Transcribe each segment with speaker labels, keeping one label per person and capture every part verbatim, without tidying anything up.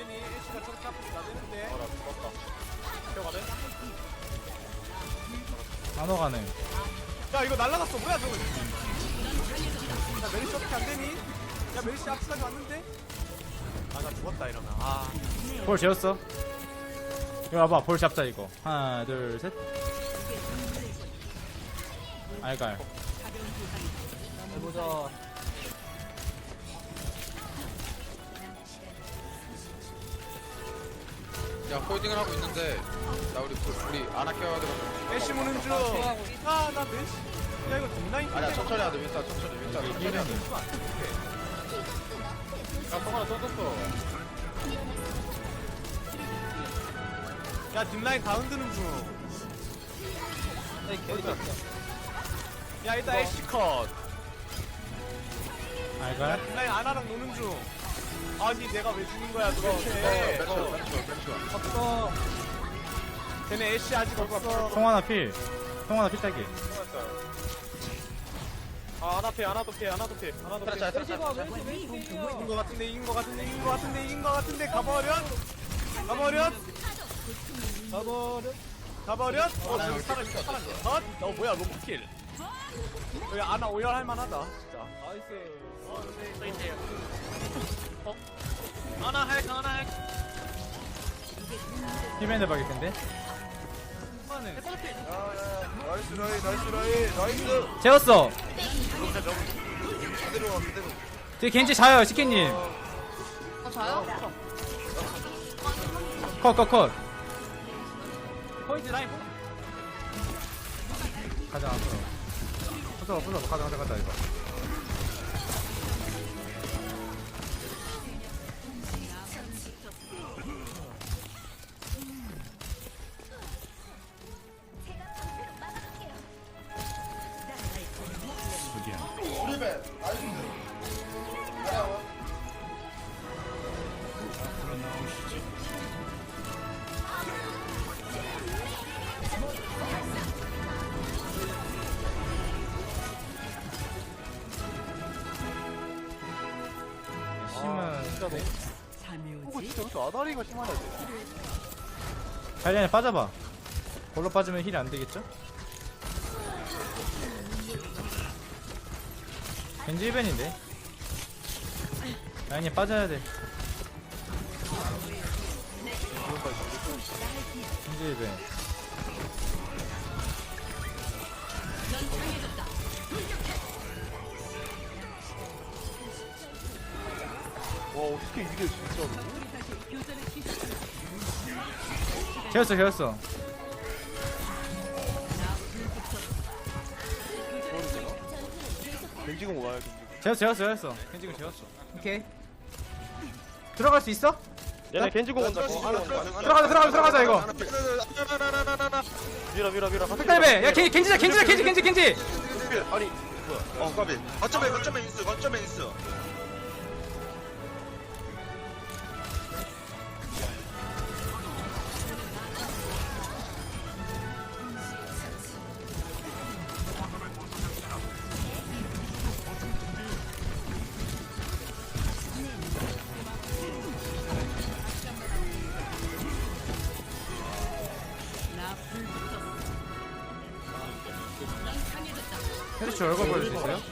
Speaker 1: 되니? 애쉬가 저렇게 앞에서 나대는데.
Speaker 2: 아나 죽었다. 태워가네?
Speaker 3: 나눠 가능.
Speaker 1: 야 이거 날라갔어. 뭐야 저거? 야 메리시 어떻게 안 되니? 야 메리시 앞까지 왔는데? 아 나 죽었다 이러면. 아.
Speaker 3: 볼 재웠어. 이거 와봐, 볼 잡자 이거. 하나 둘 셋. 알갈.
Speaker 2: 해보자.
Speaker 4: 야 홀딩을 하고 있는데 나 우리 우리 안 아껴야 돼.
Speaker 1: 애쉬 무는 중. 아나 메리시. 야 이거 뒷라인.
Speaker 4: 아니야 천천히 하자 윈스턴 천천히 윈스턴 천천히 하자.
Speaker 2: 야 동아나 떴었어.
Speaker 1: 야 뒷라인 다 흔드는 중. 야 일단 애쉬 컷.
Speaker 3: 알갈.
Speaker 1: 뒷라인 아나랑 노는 중. 아니 내가 왜 죽는 거야 도대체.
Speaker 4: 멘션 멘션 멘션.
Speaker 1: 없어. 쟤네 애쉬 아직 없어.
Speaker 3: 통 하나 필. 통 하나 필 따기.
Speaker 2: 아 하나 피해 하나도 피해 하나도 피해 하나도 피해.
Speaker 4: 트레 잘
Speaker 1: 이긴 거 같은데 이긴 거 같은데 이긴 거 같은데 이긴 거 같은데 가버려. 가버려. 가버려. 가버려. 어 저기 사람 있어 사람 있어. 어? 어 뭐야 로봇킬. 여기 아나 오열할 만하다 진짜.
Speaker 2: 나이스.
Speaker 1: 어? 아나 핵 아나 핵.
Speaker 3: 힐밴드 박일 텐데.
Speaker 4: 나이스 라인 나이스 라인 나이스.
Speaker 3: 재웠어.
Speaker 4: 그대로 와 그대로.
Speaker 3: 뒤에 겐지 자요, 시키님.
Speaker 5: 어, 저요?
Speaker 3: 컷, 컷, 컷.
Speaker 1: 포인트 라인.
Speaker 3: 가자, 앞으로. 부숴, 부숴. 가자, 가자, 가자, 이거. 심은
Speaker 1: 어 진짜 왜 아다리가 심하냐.
Speaker 3: 자리안에 빠져봐. 볼로 빠지면 힐이 안 되겠죠? 겐지 일벤인데. 라인이 빠져야 돼. 겐지 일벤.
Speaker 1: 와 어떻게 이게 진짜로.
Speaker 3: 재웠어, 재웠어.
Speaker 1: 겐지공 와요 겐지공.
Speaker 3: 재웠어, 재웠어, 재웠어. 겐지군 재웠어. 오케이. 들어갈 수 있어?
Speaker 2: 얘네 겐지고 온다.
Speaker 3: 들어가자, 들어가자, 들어가자, 이거.
Speaker 2: 밀어 밀어 밀어.
Speaker 3: 백달배! 야, 겐, 겐지자, 겐지자, 겐지, 겐지, 겐지!
Speaker 2: 아니
Speaker 4: 어 까비. 거점에 거점에 인스 거점에 인스.
Speaker 3: 테리츠 얼굴 보여줄 수 있어요?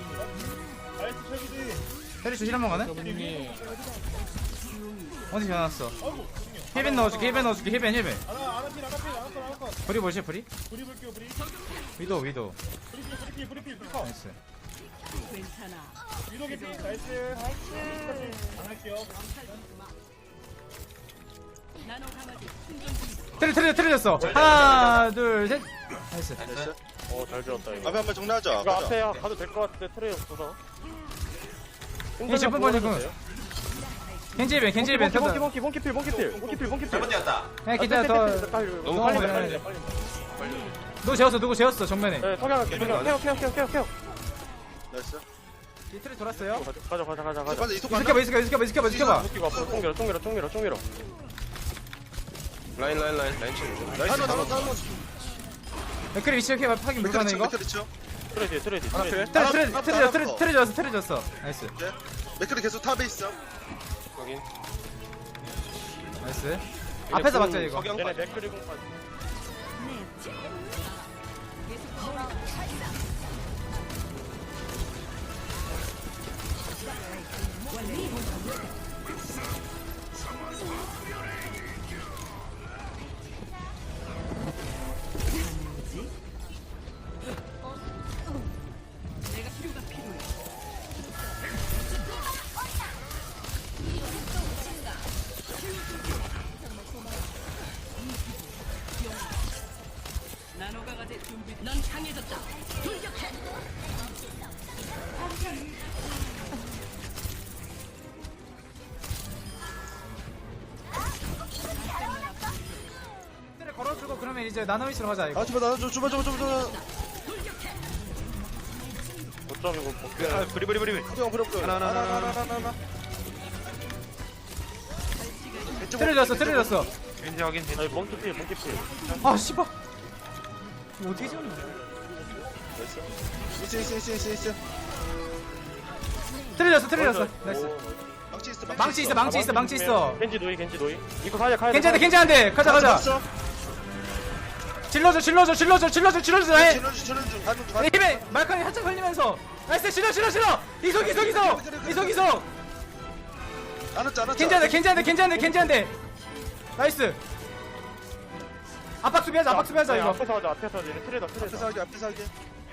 Speaker 3: 테리츠 힐 한번 가네? 어디 전화왔어? 힐벤 넣어줄게, 힐벤 넣어줄게, 힐벤, 힐벤. 브리 보시, 브리? 위도, 위도. 나이스. 트레, 트레, 트레졌어. 하나, 둘, 셋. 나이스.
Speaker 2: 어잘 지었다 이거.
Speaker 4: 앞에 한번 정리하자.
Speaker 2: 이거 앞에 가도 될 것 같은데 트레이 없어서.
Speaker 3: 이 제품 버리고. 겐지 힐벤, 겐지 힐벤.
Speaker 2: 몽키 몽키 몽키 필 몽키 필 몽키 필 몽키 필.
Speaker 3: 야, 기다려, 더.
Speaker 2: 너무
Speaker 3: 빨리
Speaker 2: 빨리
Speaker 3: 빨리.
Speaker 2: 빨리.
Speaker 3: 누구 재웠어, 누구 재웠어, 정면에.
Speaker 2: 네 석양할게. 석양. 케어 케어 케어 케어 케어.
Speaker 4: 나이스.
Speaker 3: 이 트레 돌았어요.
Speaker 2: 가자 가자 가자 가자.
Speaker 4: 빨리 이속
Speaker 3: 이스켜봐, 이스켜봐, 이스켜봐, 이스켜봐, 이스켜봐.
Speaker 2: 웃기고 앞으로 총 밀어 총 밀어 총 밀어 총 밀어.
Speaker 4: 라인 라인 라인 라인 치고. 나이스. 한번 한번
Speaker 3: 맥크리 위치 이렇게 파기 물가네, 이거?
Speaker 4: 맥크리 쳐.
Speaker 2: 트레이 뒤에 트레이 뒤에.
Speaker 4: 하나
Speaker 2: 트레이
Speaker 4: 필.
Speaker 2: 뒤에.
Speaker 3: 트레, 트레, 트레, 트레, 트레 졌어, 트레 졌어. 나이스.
Speaker 4: 맥크리 계속 탑에 있어.
Speaker 2: 여기.
Speaker 3: 나이스. 앞에서 막자 이거.
Speaker 6: 석양
Speaker 2: 얘네
Speaker 6: 빠져.
Speaker 2: 맥크리 공까지.
Speaker 3: 트레 걸어주고 그러면 이제 나노미스로 가자 이거.
Speaker 6: 아 주마 나 주마 주마 주마 주마.
Speaker 2: 거점이고 복귀.
Speaker 6: 아 브리 브리 브리. 부정 부정 부정. 하나 하나 하나 하나 하나 하나.
Speaker 3: 트레 졌어 트레 졌어.
Speaker 6: 겐지 확인.
Speaker 2: 아니 몽키 필 몽키 필.
Speaker 3: 아 씨발. 이거 어떻게 지었냐?
Speaker 6: 있어 있어 있어 있어 있어.
Speaker 3: 트레 졌어 트레 졌어. 나이스.
Speaker 6: 망치 있어
Speaker 3: 망치 있어 망치 있어 망치 있어.
Speaker 2: 겐지 노이 겐지 노이. 이거 가야 가야.
Speaker 3: 괜찮대 괜찮대. 가자 가자. 질러줘 질러줘 질러줘 질러줘 질러줘. 나의
Speaker 6: 질러주 질러주 가는 중.
Speaker 3: 내 힘에 말칸이 한참 흘리면서. 나이스 질러 질러 질러. 이속 이속 이속 이속 이속.
Speaker 6: 안 왔지 안 왔지.
Speaker 3: 괜찮대 괜찮대 괜찮대 괜찮대. 나이스. 압박 수비하자 압박 수비하자 이거.
Speaker 2: 앞에서 하자 앞에서 하자. 얘네 트레다
Speaker 6: 앞에서
Speaker 2: 트레다.
Speaker 6: 하게 앞에서 하게.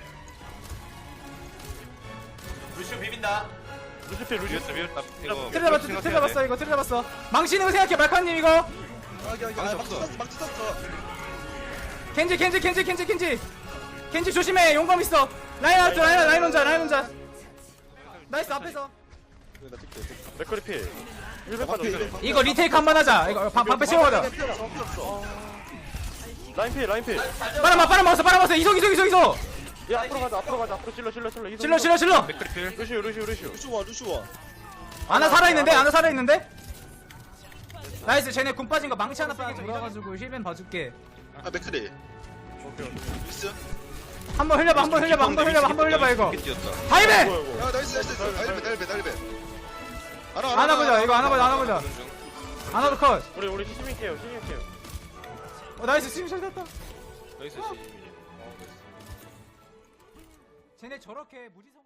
Speaker 1: 루시오 비빈다.
Speaker 2: 루시 필 루시.
Speaker 6: 이거.
Speaker 3: 트레 잡았어 트레 잡았어 이거 트레 잡았어. 망치는 거 생각해 말칸님 이거.
Speaker 6: 하게 하게. 아 막치 썼어 막치 썼어.
Speaker 3: 켄지 켄지 켄지 켄지 켄지 켄지 조심해 용감 있어. 라인 왔죠 라인 라인 혼자 라인 혼자. 나이스 앞에서.
Speaker 6: 나 뛸게.
Speaker 2: 맥크리 필. 일백
Speaker 6: 아,
Speaker 2: 빠져.
Speaker 6: 방패,
Speaker 3: 이거 리테이크 한 번 하자. 이거 방, 방패 채워가자.
Speaker 6: 필요 없어 필요 없어.
Speaker 2: 라인 필 라인 필.
Speaker 3: 빨아먹어 빨아먹었어 빨아먹었어. 이속 이속 이속 이속.
Speaker 2: 야 앞으로 가자 앞으로 가자 앞으로 찔러 찔러 찔러. 이속,
Speaker 3: 질러
Speaker 2: 이속.
Speaker 3: 질러 질러.
Speaker 2: 루시오 루시오 루시오.
Speaker 6: 루시워 루시워.
Speaker 3: 아나 살아있는데 아나 살아있는데. 나이스 쟤네 군 빠진 거 망치 하나 빠져 돌아가지고 힐벤 봐줄게.
Speaker 6: 아 맥크리. 미스.
Speaker 3: 한번 흘려봐 한번 흘려봐 한번 흘려봐 한번 흘려봐 이거. 다이벤.
Speaker 2: 뭐야 이거.
Speaker 6: 야 나이스 나이스. 날배 날배 날배.
Speaker 3: 안아 보자 이거 안아 보자 안아 보자. 안아도 컷.
Speaker 2: 우리 우리 시즈밍 케어 시즈밍 케어.
Speaker 3: 어 나이스 스윙 잘 됐다.
Speaker 6: 나이스.
Speaker 3: 쟤네 저렇게 무지성